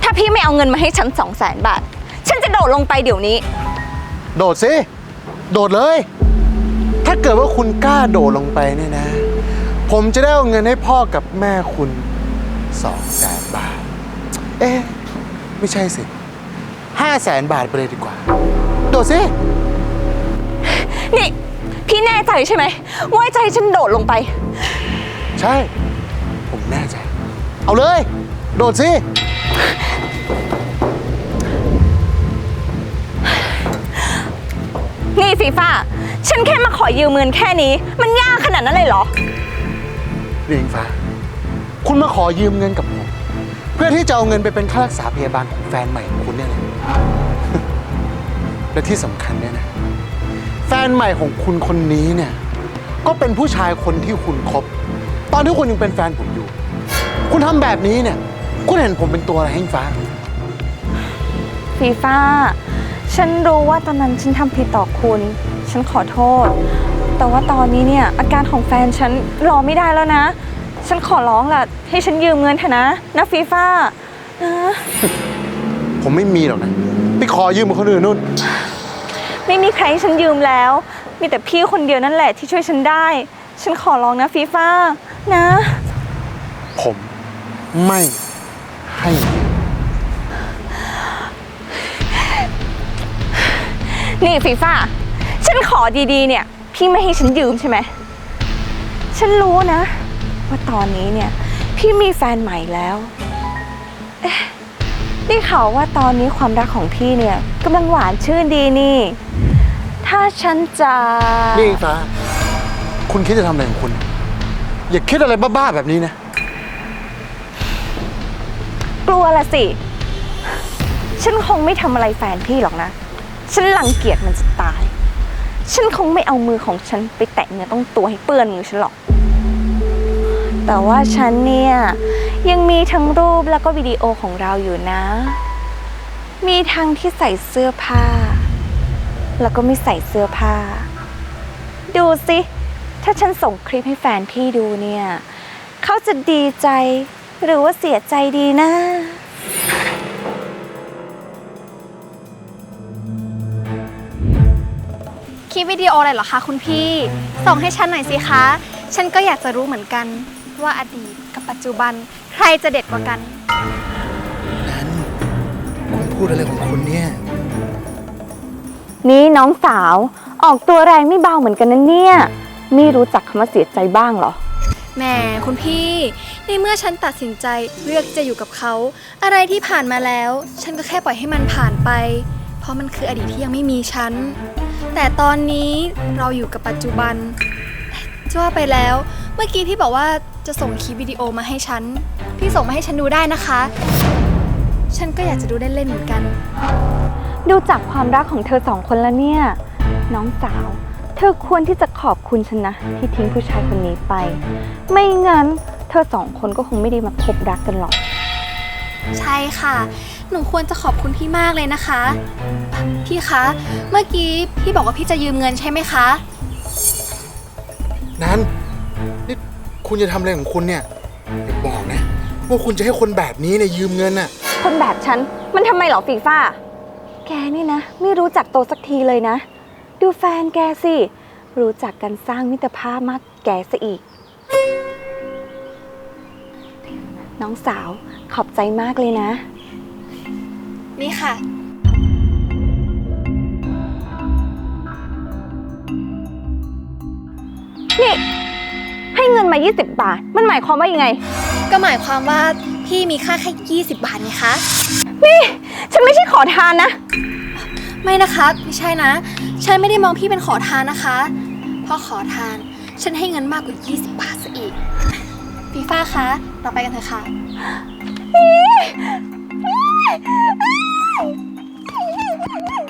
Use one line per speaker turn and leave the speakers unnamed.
ถ้าพี่ไม่เอาเงินมาให้ฉัน200,000 บาทฉันจะโดดลงไปเดี๋ยวนี้
โดดสิโดดเลยถ้าเกิดว่าคุณกล้าโดดลงไปเนี่ยนะผมจะได้เอาเงินให้พ่อกับแม่คุณ200,000 บาทไม่ใช่สิ500,000 บาทไปเลยดีกว่าโดดสิ
นี่พี่แน่ใจใช่ไหมว่าจะให้ฉันโดดลงไป
ใช่ผมแน่ใจเอาเลยโดดสิ
นี่ฟีฟ่าฉันแค่มาขอยืมเงินแค่นี้มันยากขนาดนั้นเลยเหรอ
เรียงฟ้าคุณมาขอยืมเงินกับผมเพื่อที่จะเอาเงินไปเป็นค่ารักษาพยาบาลของแฟนใหม่ของคุณเนี่ยนะ และที่สำคัญเนี่ยนะแฟนใหม่ของคุณคนนี้เนี่ยก็เป็นผู้ชายคนที่คุณคบตอนที่คุณยังเป็นแฟนผมอยู่คุณทำแบบนี้เนี่ยคุณเห็นผมเป็นตัวอะไรให้ฟ้า
ฟีฟ่าฉันรู้ว่าตอนนั้นฉันทำผิดต่อคุณฉันขอโทษแต่ว่าตอนนี้เนี่ยอาการของแฟนฉันรอไม่ได้แล้วนะฉันขอร้องล่ะให้ฉันยืมเงินเถอะนะฟีฟ่านะ
ผมไม่มีหรอกนะไปขอยืมกับคนอื่นนู่น
ไม่มีใครให้ฉันยืมแล้วมีแต่พี่คนเดียวนั่นแหละที่ช่วยฉันได้ฉันขอร้องนะฟีฟ่านะ
ผมไม่ให้
นี่ฟีฟ่าฉันขอดีๆเนี่ยพี่ไม่ให้ฉันยืมใช่ไหมฉันรู้นะว่าตอนนี้เนี่ยพี่มีแฟนใหม่แล้วได้ข่าวว่าตอนนี้ความรักของพี่เนี่ยกำลังหวานชื่นดีนี่ถ้าฉันจะ
นี่ฟ้าคุณคิดจะทำอะไรของคุณอย่าคิดอะไรบ้าๆแบบนี้นะ
กลัวละสิฉันคงไม่ทำอะไรแฟนพี่หรอกนะฉันรังเกียจมันจะตายฉันคงไม่เอามือของฉันไปแตะเนื้อต้องตัวให้เปื้อนมือฉันหรอกแต่ว่าฉันเนี่ยยังมีทั้งรูปแล้วก็วิดีโอของเราอยู่นะมีทั้งที่ใส่เสื้อผ้าแล้วก็ไม่ใส่เสื้อผ้าดูสิถ้าฉันส่งคลิปให้แฟนพี่ดูเนี่ยเขาจะดีใจหรือว่าเสียใจดีนะ
คลิปวิดีโออะไรเหรอคะคุณพี่ส่งให้ฉันหน่อยสิคะฉันก็อยากจะรู้เหมือนกันว่าอดีตกับปัจจุบันใครจะเด็ดกว่ากัน
นั้นคุณพูดอะไรของคุณเนี่ย
นี่น้องสาวออกตัวแรงไม่เบาเหมือนกันนะเนี่ยไม่รู้จักคำว่าเสียใจบ้างเหรอ
แหมคุณพี่ในเมื่อฉันตัดสินใจเลือกที่จะอยู่กับเขาอะไรที่ผ่านมาแล้วฉันก็แค่ปล่อยให้มันผ่านไปเพราะมันคืออดีตที่ยังไม่มีฉันแต่ตอนนี้เราอยู่กับปัจจุบันจะว่าไปแล้วเมื่อกี้พี่บอกว่าจะส่งคลิปวิดีโอมาให้ฉันพี่ส่งมาให้ฉันดูได้นะคะฉันก็อยากจะดูเล่นๆเหมือนกัน
ดูจากความรักของเธอ2 คนแล้วเนี่ยน้องสาวเธอควรที่จะขอบคุณฉันนะที่ทิ้งผู้ชายคนนี้ไปไม่งั้นเธอ2 คนก็คงไม่ได้มาพบรักกันหรอก
ใช่ค่ะหนูควรจะขอบคุณพี่มากเลยนะคะพี่คะเมื่อกี้พี่บอกว่าพี่จะยืมเงินใช่ไหมคะ
นั้นนี่คุณจะทำอะไรของคุณเนี่ยอย่าบอกนะว่าคุณจะให้คนแบบนี้เนี่ยยืมเงินน่ะ
คนแบบฉันมันทำไมเหรอฟีฟ่าแกนี่นะไม่รู้จักโตสักทีเลยนะดูแฟนแกสิรู้จักกันสร้างมิตรภาพมากแกซะอีกน้องสาวขอบใจมากเลยนะ
นี่ค่ะ
นี่ให้เงินมา20 บาทมันหมายความว่ายังไง
ก็หมายความว่าพี่มีค่าแค่20 บาทไงคะ
นี่ฉันไม่ใช่ขอทานนะ
ไม่นะคะไม่ใช่นะฉันไม่ได้มองพี่เป็นขอทานนะคะเพราะขอทานฉันให้เงินมากกว่า20 บาทซะอีกฟีฟ่าคะเราไปกันเถอะค่ะ